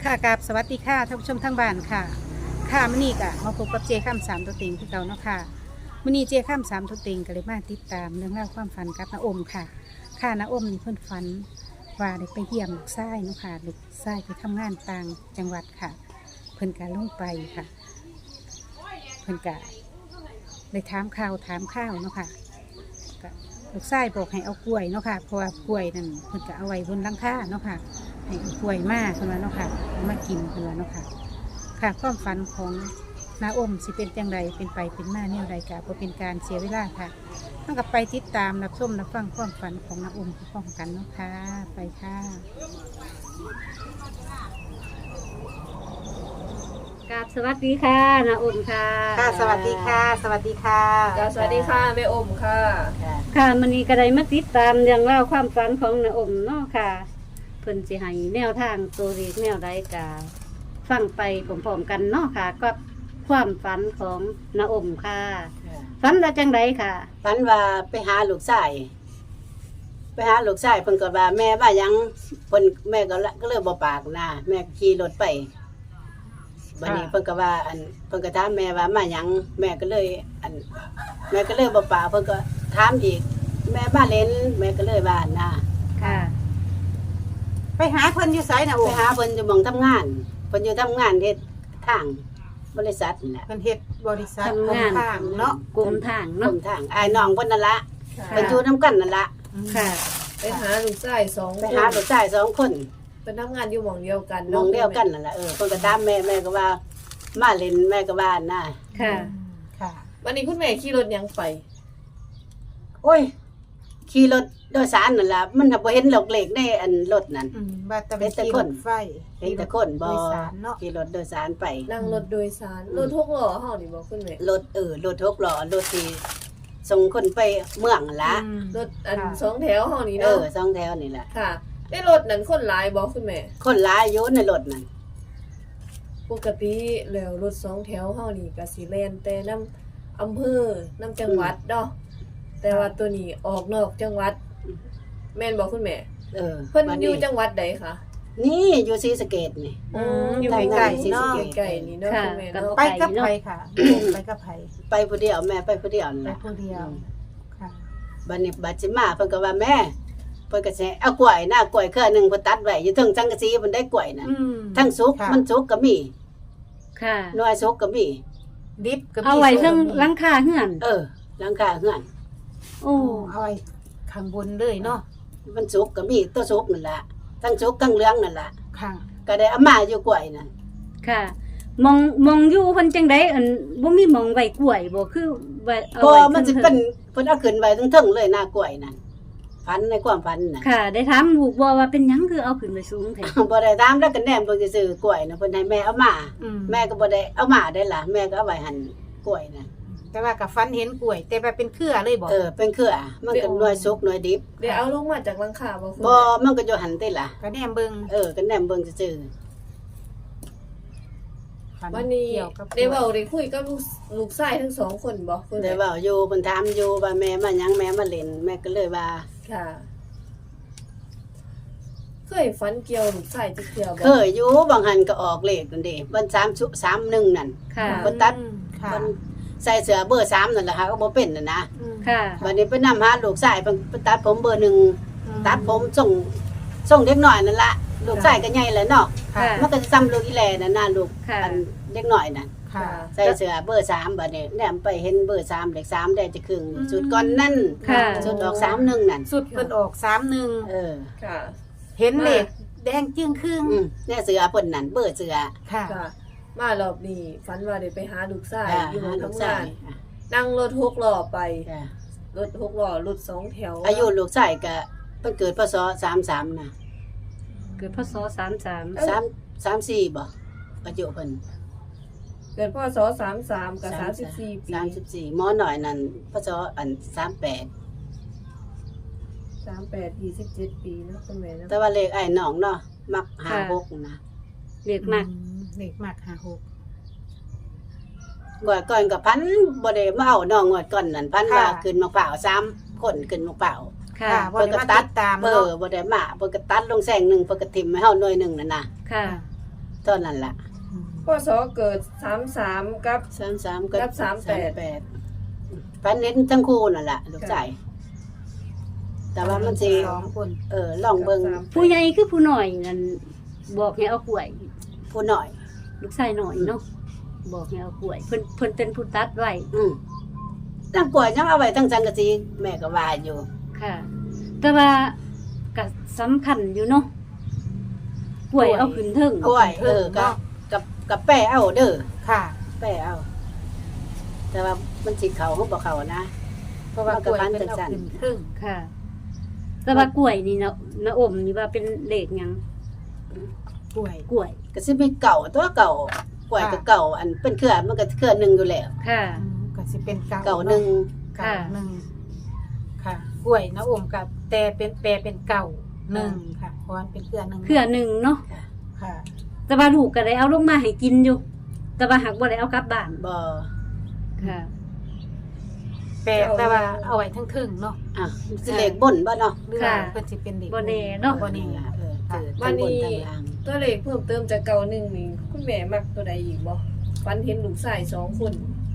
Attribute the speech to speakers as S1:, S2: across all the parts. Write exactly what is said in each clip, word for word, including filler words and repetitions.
S1: ค่ะกับสวัสดีค่ะท่านผู้ชมทั้งบ้านค่ะค่ะมื้อนี้ก็มาพบกับเจข้ามสามตัวเต็งที่เก่าเนาะค่ะมื้อนี้เจข้ามสามตัวเต็งก็เลยมาติดตามเรื่องราวความฝันกับน้าอมค่ะค่ะน้าอมนี่เพิ่นฝันว่าได้ไปเยี่ยมลูกชายเนาะค่ะลูกชายไปทำงานต่างจังหวัดค่ะ เพิ่นก็ลงไปค่ะ เพิ่นก็ได้ถามข่าวถามข้าวเนาะค่ะก็ลูกชายบอกให้เอากล้วยเนาะค่ะเพราะว่ากล้วยนั่นเพิ่นก็เอาไว้บนหลังคาเนาะค่ะให้เอากล้วยมากเพิ่นว่าเนาะค่ะเอามากินเพิ่นว่าเนาะค่ะค่ะความฝันของน้าอมสิเป็นจังไรเป็นไปเป็นมาแนวใดกะบ่เป็นการเสียเวลาค่ะต้องกับไปติดตามรับชมรับฟังความฝันของน้าอมพร้อมกันเนาะค่ะไปค่ะ
S2: กราบสวัสดีค่ะนาอมค่ะ
S1: ค่ะสวัสดีค่ะ สวัสดีค่ะ
S3: จ้าสวัสดีค่ะแม่อมค่ะ
S2: ค่ะมันนี้ก็ได้มาติดตามเรื่องเล่าวความฝันของนาอมเนาะค่ะเพิ่นสิให้แนวทางตัวเลขแนวใดกาฟังไปพร้อมๆกันเนาะค่ะกับความฝันของนาอมค่ะฝันว่าจังไดค่ะ
S4: ฝันว่าไปหาลูกชายไปหาลูกชายเพิ่นก็ว่าแม่ว่าหยังเพิ่นแม่ก็ละก็เลยบ่ปากนะแม่ก็ขี่รถไปบัดนี้เพิ่นก็ว่าอันเพิ่นก็ถามแม่ว่ามาหยังแม่ก็เลย อัน แม่ก็เลยบ่ปากเพิ่นก็ถามอีกแม่มาเล่นแม่ก็เลยว่านะ
S2: ค่ะ
S1: ไปหาเพิ่นอยู่ไสนะอ
S4: ไป
S1: ม
S4: หาเพิ่นอยู่หม่องทำงานเพิ่นอยู่ทำงานเฮ็ดทางบริษัทนั่นแหละ
S1: เพิ่นเฮ็ดบริษัท
S2: ทำงาน
S1: ทางเนาะ
S2: กลมทาง
S4: กร
S2: เนาะ
S4: มทางอ้ายน้องเพิ่นนั่นละ
S3: ค่ะ
S4: เพิ่นอยู่นํกันนั่นละ
S2: ค่ะ
S3: ไปหาลูกชายสอง
S4: ไปหาลูกชายสองคน
S3: เป็นทำงานอยู่หม่องเดียวกัน
S4: หมองเดียวกันนั่นแหละเออเพิ่นก็ถามแม่แม่ก็ว่ามาเล่นแม่ก็ว่านะ
S2: ค่ะ
S1: ค่ะ
S3: วันนี้คุณแม่ขี่รถยังไป
S4: โอ้ยขี่รถโดยสารนั่นล่ะมันบ่เห็นหลอกเหล็กในอันรถนั่น
S1: อืมว่าแต่
S4: เป็นแต่
S1: ขี่
S4: ค
S1: ร
S4: น
S1: ถไฟ
S4: เห็นแต่คนบ่
S1: โดยสารเนาะ
S4: ขี่รถโดยสารไป
S3: นั่งรถโดยสารรถหกล้อเฮานี่บ่คุณแม่
S4: รถเออรถหกล้อรถที่ส่งคนไปเมืองนั่นละ
S1: อืม
S3: รถอัน
S1: ค่ะ
S3: สองแถวเฮานี่
S4: เอ
S3: เนาะ
S4: อสองแถวนี่แหละ
S3: ค่ะในรถนั้นคนหลายบ่คุณแม่
S4: คนหลายอยู่ในรถนั่น
S3: ปกติแล้วรถสองแถวเฮานี่ก็สิแล่นแต่นำอำเภอนำจังหวัดเนาะแต่ว่าตัวนี้ออกนอกจังหวัด แม่นบ่คุณแม่
S4: เออ
S3: เพิ่น
S4: บัด
S3: อยู่จังหวัดใดคะ
S4: นี่อยู่ศรีสะเกษนี่
S3: อืม
S1: อยู่
S3: ใก
S1: ใกล้
S3: ล้
S1: ๆเนาะ
S3: ๆใกล้ๆนี่เนาะ
S2: ค่ะ
S3: คุณแม่เนาะ
S1: ไปกับไผค่ะไปกับไผ
S4: ไปผู้เดียวแม่ไปผู้เดียวนั่น
S1: ไป
S4: ล่ะ
S1: ผู้เดียวค่ะ
S4: บัดนี้บัดสิมาเพิ่นก็ว่าแม่เพิ่นก็สิเอากล้วยหน้ากล้วยเครือหนึงเพิ่นตัดไว้อยู่เทึงจังกะสีเพิ่นได้กล้วยน่ะ
S1: อืม
S4: ทั้งสุก
S1: ค่ะ
S4: มันสุกก็มี
S2: ค่ะ
S4: หน่วยสุกก็มี
S1: ดิบก็มี
S2: เอาไว้เรื่อง
S1: ส่วน
S2: หลังคาเฮือน
S4: เออหลังคาเฮือน
S2: โอ้
S1: โอ้เอาไว้ข้างบนเลยเนาะ
S4: มันสุกก็มีตัวสุกนั่นล่ะทั้งสุกทั้งเหลืองนั่นล่ะ
S1: ค่ะ
S4: ก็ได้เอามาอยู่กล้วยน่ะ
S2: ค่ะ มองมองอยู่เพิ่นจังไดอันบ่มีหมองไว้กล้วยบ่คือไว้เอา
S4: ก็
S2: ไว้
S4: มันสิ
S2: ทิงๆ
S4: เป็นเพิ่นเอาขึ้นไว้เทึงๆเลยหน้ากล้วยนั่นฝันในความฝันน่ะ
S2: ค่ะ ได้ถามลูกบ่ว่าเป็นหยังคือเอาขึ้นไปสูงแท้
S4: บ่ได้ถามแล้วก็แนมเพิ่นสิซื้อกล้วยน่ะเพิ่นให้แม่เอามา
S1: อืม
S4: แม่ก็บ่ได้เอามาได้ล่ะแม่ก็เอาไว้หั่นกล้วยน่ะ
S1: แต่ว่ากับฟันเห็นกล้วย แต่ว่าเป็นเครือเลยบอก
S4: เออเป็นเครือมันก็หน่วยสุกหน่วยดิบ
S3: เดี๋ยวเอาลงมาจากหลังคาบ่คุณ
S4: บ่
S3: แม่
S4: มันก็อยู่หั่นติล่ะ
S1: ก็แนมเบิง
S4: เออก็แนมเบิ่งซื่อ
S1: ฝั
S3: วันนี้
S1: เกี่ยวกับ
S3: ได้เว้าได้คุยกับลูกลูกชายทั้งสองคนบ่คุณ
S4: ๆ
S3: แม่
S4: ได้เว้าอยู่เพิ่นถามอยู่ว่าแม่มาหยังแม่มาเล่นแม่ก็เลยว่า
S3: ค่ะ เคยฝันเกี่ยวลูกชายจักเที่ยวบ่
S4: เคยอยู่บางหันก็ออกเลขนั่นเด้วันสามชุสามหนึ่งนั่น
S2: ค่ะ
S4: เพิ่นตัด
S1: อืมค่ะ
S4: เพิ่นใส่เสื้อเบอร์สามนั่นแหละค่ะก็บ่เป็นน่ะนะ
S1: อืม
S2: ค่ะ
S4: วันนี้ไปนำหาลูกชายเพิ่นเพิ่นตัดผมเบอร์หนึ่ง
S1: อืม
S4: ตัดผมส่งส่งเด็กน้อยนั่นล่ะลูกชายก็ใหญ่แล้วเนาะ
S1: ค่ะ
S4: มันก็ซ้ำลูกอีแลนั่นน่ะลูก
S2: ค่ะ
S4: อันเด็กน้อยน่ะ
S1: ค่ะ
S4: ใส่เสื้อเบอร์สามบัดนี้แนมไปเห็นเบอร์สามเลขสามได้จะครึ่ง
S1: อืม
S4: สุดก่อนนั่น
S2: ค่ะ
S4: สุดออกสามหนึ่งนั่น
S1: สุดเพิ่นออกสามหนึ่ง
S4: เออ
S3: ค่ะ
S1: เห็นเลขแดงจึ้งครึ่ง
S4: อืมเนี่ยเสื้อเพิ่นนั่นเบอร์เสื้อ
S1: ค่ะ
S3: ค่ะ มารอบนี้ฝันว่าได้ไปหาลูกชาย
S4: อ่า
S3: อยู่หม้
S4: หา
S3: อง
S4: ลูก
S3: ทำ
S4: ชาง
S3: าน
S4: ยอ่ะ
S3: นั่งรถหกล้อไป
S4: จ้ะ
S3: รถหกล้อรถสองแถว
S4: อายุลูกชายก็เพิ่นเกิดพศสามสามนะ
S2: เกิดพศสามสาม
S4: สามสามสี่บ่อายุเพิ่น
S3: เกิดพศสามสามกับสามสิบสี่ปี
S4: สามสิบสี่หมอหน่อยนั่นพศอันสามแปด
S3: สามแปดยี่สิบเจ็ดปีเนาะคุณแม่เนาะ
S4: แต่ว่าเลขไอ้น้องเนาะมักหาหกนะ
S2: เรียกมาก
S1: อืมเลขมากห้าหก
S4: ก่อนก่อนกับพันบ่ได้มาเอาน้องงวดก่อนนั่นพัน
S1: ค่ะ
S4: ว่าขึ้นมะพร้าวสามคนขึ้นมะพร้าว
S2: ค่ะ
S1: ค่ะบ่ได้มาติดตาม
S4: เอ
S1: เนาะ
S4: อบ่ได้มาเพิ่นก็ตัดลงแสงหนึงเพิ่นก็ทิ่มให้เฮาหน่วยหนึงนั่นน่ะ
S2: ค่ะ
S4: ตอนนั้นล่ะ
S3: พศเกิดสามสามกับ
S4: สามสิบสามกับ
S3: กับสามสิบแปด
S4: สามสิบแปดฝันเห็นทั้งคู่นั่นล่ะลูกชายแต่ว่ามันสิ
S1: สองคน
S4: เออลองเบิ่ง
S2: ผู้ใหญ่คือผู้น้อยนั่นบอกให้เอากล้วย
S4: ผู้น้อย
S2: ลูกชายน้อยเนาะบอกให้เอากล้วยเพิ่นเพิ่นเป็นผู้ตัดไว้
S4: อืมตั้งกล้วยยังเอาไว้ทั้งสังกะสีแม่ก็ว่าอยู่
S2: ค่ะ แต่ว่าก็สำคัญอยู่เนาะกล้วยเอาขึ้นเทิง
S4: กล้วยเออกับกับกับแป้เอาเด้อ
S1: ค่ะ
S4: แป้เอา แต่ว่ามันสิเข้าเขาบ่เข้านะ
S1: เพราะว่ากล้วยเป็นเอาขึ้นครึ่ง
S2: ค่ะ แต่ว่ากล้วยนี่นะนะอมนี่ว่าเป็นเลขหยัง
S1: กล้วย
S2: กล้วย
S4: ก็สิมีเก่าตัวเก่ากล้วยก็เก่าอันเป็นเครือมันก็เครือหนึงอยู่แล้ว
S2: ค่ะ
S1: อืมก็สิเป็นเก่า
S4: เก่าหนึง
S1: เก่าหนึ่งค่ะกล้วยนะอมกับแต่เป็นแปรเป็นเก่าหนึ่งค่ะเพราะว่าเป็นเครือหนึ่ง
S2: เครือหนึ่งเนาะ
S1: ค่ะ
S2: แต่ว่าลูกก็ได้เอาลงมาให้กินอยู่ แต่ว่าหักบ่ได้เอากลับบ้าน
S4: บ่
S2: ค่ะ
S1: แปรแต่ว่าเอาไว้ทั้งทึ่งเนาะ
S4: อ่ะสิเลขบนบ่เนาะ
S1: หรือว่า
S2: ค่ะ
S1: เพิ่นสิเป็นเด็ก
S2: บ่แน่เนาะ
S1: บ่แน่
S4: เออ
S1: ค่ะ
S4: คือทั้งบนทั้งล่าง
S3: ตัวเลขเพิ่มเติมจากเก่าหนึ่งนี่คุณแม่มักตัวใดอีกบ่ฝันเห็นลูกชายสองคน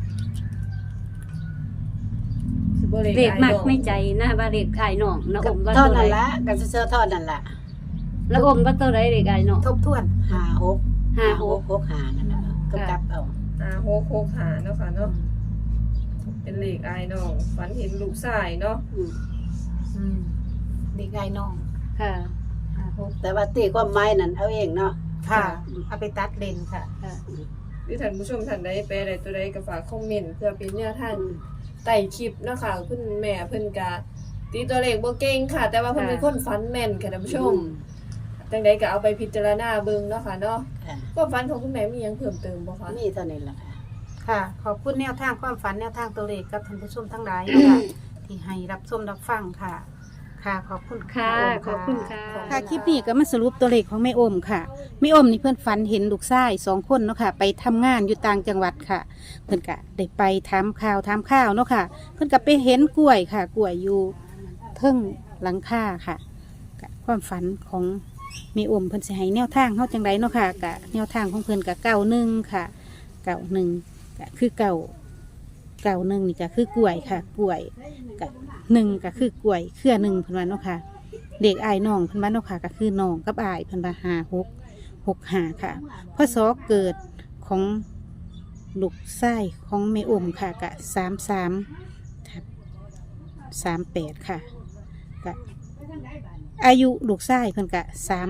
S3: สิบ่
S2: เลขมักไม่ใจนะว่าเลขอ้ายน้องนะอมว่า
S4: เท่า
S2: ตัวใด
S4: นั้นละก็เสื้อเท่านั้นล่ะ
S2: แล้วอมว่าตัวใดเลขอ้ายน้อง
S1: ทบทวน
S4: ห้าหก
S2: ห้าหก
S4: หกห้านั่นน่ะก็กลับเอา
S3: อ่าหกหกหาเนาะค่ะเนาะเป็นเลขอายน้องฝันเห็นลูกชายเนาะ
S4: อืม
S1: อืมเด็กไอ้น้อง
S2: ค่ะ
S1: ห้าหก
S4: แต่ว่าตีความหมายนั่นเอาเองเนาะ
S1: ค่ะเอาไปตัดเลนค่ะ
S2: ค่ะ
S3: หรือท่านผู้ชมท่านใดแปลใดตัวใดก็ฝากคอมเมนต์เพื่อเป็นแนวทางไต่คลิปเนาะค่ะคุณแม่เพิ่นก็ตีตัวเลขบ่เก่งค่ะ แต่ว่าเพิ่นเป็นคนฝันแม่นค่ะท่านผู้ชมจังใดก็เอาไปพิจารณาเบิ่งเนาะค่ะเนาะ
S4: ค่ะ
S3: ความฝันของคุณแม่มีหยังเพิ่มเติมบ่คะ
S4: มีเท่านี้ล่ะค่ะ
S1: ค่ะ ขอบคุณแนวทางความฝันแนวทางตัวเลขกับท่านผู้ชมทั้งหลายนะคะที่ให้รับชมรับฟังค่ะ ค่ะ ขอบคุณ
S2: ค่ะ
S1: แม่โ
S2: ขอบคุณค่ะ
S1: ค่ะคลิปนี้ก็มาสรุปตัวเลขของแม่อมค่ะแม่อมนี่เพื่อนฝันเห็นลูกชายสองคนเนาะค่ะ ไปทำงานอยู่ต่างจังหวัดค่ะ เพื่อนก็ได้ไปถามข่าวถามข้าวเนาะค่ะ เพื่อนก็ไปเห็นกล้วยค่ะ กล้วยอยู่เทิงหลังคาค่ะก็ความฝันของแม่อมเพื่อนสิให้แนวทางเขาจังไรเนาะค่ะกะแนวทางของเพื่อนกะเก่าหนึ่งค่ะ เก่าหนึ่งก็คือเก่าเก่าหนึ่งนี่ก็คือกล้วยค่ะ กล้วยกับหนึ่งก็คือกล้วยเครือหนึ่งเพื่อนว่าเนาะค่ะ เด็กอายน้องเพันบ้านเนาะค่ะก็คือน้องกับอายเพันบาหาหกหกหาค่ะพศเกิดของลูกไส้ของแม่อมค่ะกะสามสามทับสามแปดค่ะกะอายุลูกไส้เพิ่นกะสาม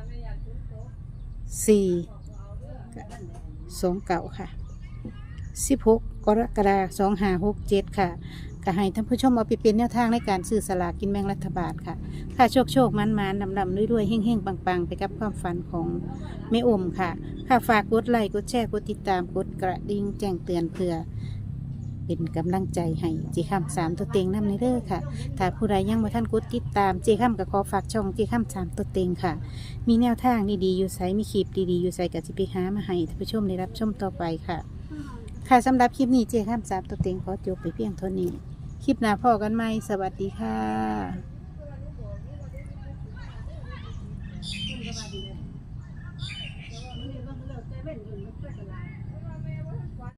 S1: สี่สองเก่าค่ะสิบหกกรกฎาคมสองห้าหกเจ็ดค่ะก็ให้ท่านผู้ชมเอาไปเป็นแนวทางในการซื้อสลากกินแบ่งรัฐบาลค่ะ ค่ะโชคโชคมันมันดำดำด้วยด้วยเฮ่งเฮ่งปังปังไปกับความฝันของแม่อมค่ะ ค่ะฝากกดไลค์กดแชร์กดติดตามกดกระดิ่งแจ้งเตือนเพื่อเป็นกำลังใจให้จีคำสามตัวเต็งนำในเด้อค่ะ ถ้าผู้ใดยังไม่ท่านกดติดตามจีคำก็ขอฝากช่องจีคำสามตัวเต็งค่ะ มีแนวทางดีๆอยู่ไซมีคลิปดีๆอยู่ไซกับจิไปหามาให้ท่านผู้ชมได้รับชมต่อไปค่ะ ค่ะสำหรับคลิปนี้เจีคำสามตัวเต็งขอจบไปเพียงเท่านี้ คลิปหน้าพอกันไหมสวัสดีค่ะ